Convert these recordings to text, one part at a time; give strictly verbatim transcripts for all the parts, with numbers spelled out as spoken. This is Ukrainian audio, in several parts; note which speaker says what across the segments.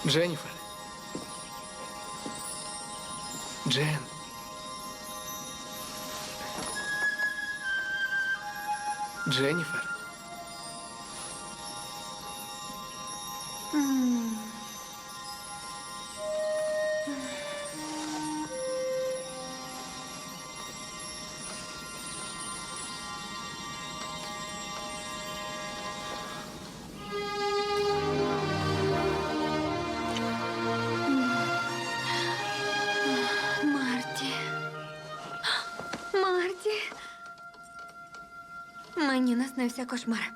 Speaker 1: Дженніфер. Джен. Дженніфер.
Speaker 2: Марті. Марті. Мені наснився кошмар.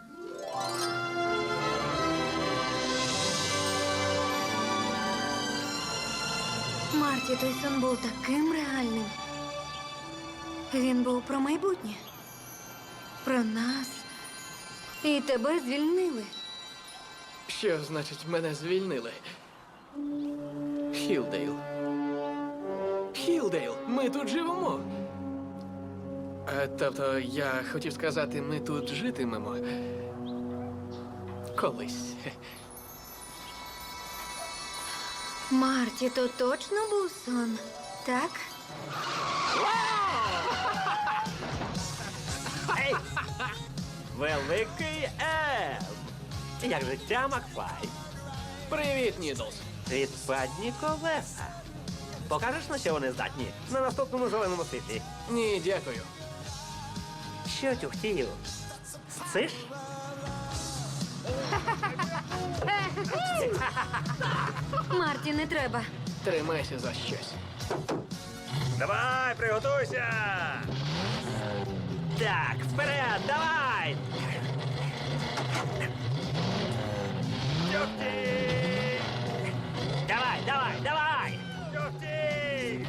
Speaker 2: Марті, той сон був таким реальним. Він був про майбутнє. Про нас. І тебе звільнили.
Speaker 1: Що значить мене звільнили? Хілдейл. Хілдейл, ми тут живемо. А, тобто, я хотів сказати, ми тут житимемо. Колись.
Speaker 2: Марті, то точно був сон, так?
Speaker 3: Ей! Великий Ем! Як життя, Макфлай?
Speaker 1: Привіт, Нідлс.
Speaker 3: Відпадні колеса. Покажеш, на що вони здатні? На наступному зеленому світлі.
Speaker 1: Ні, дякую.
Speaker 3: Що тюхтію? Сциш?
Speaker 2: Марті, не треба.
Speaker 1: Тримайся за щось.
Speaker 3: Давай, приготуйся! Так, вперед, давай! Тюхті! Давай, давай, давай! Тюхті!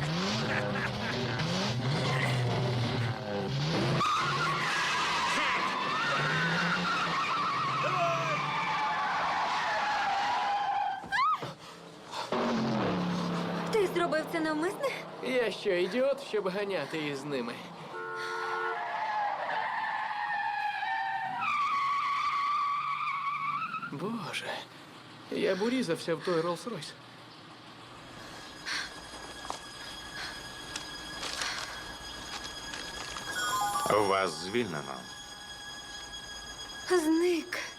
Speaker 2: Ти зробив це навмисне?
Speaker 1: Я що, ідіот, щоб ганяти із ними? Боже, я б урізався в той Роллс-Ройс.
Speaker 4: Вас звільнено.
Speaker 2: Зник.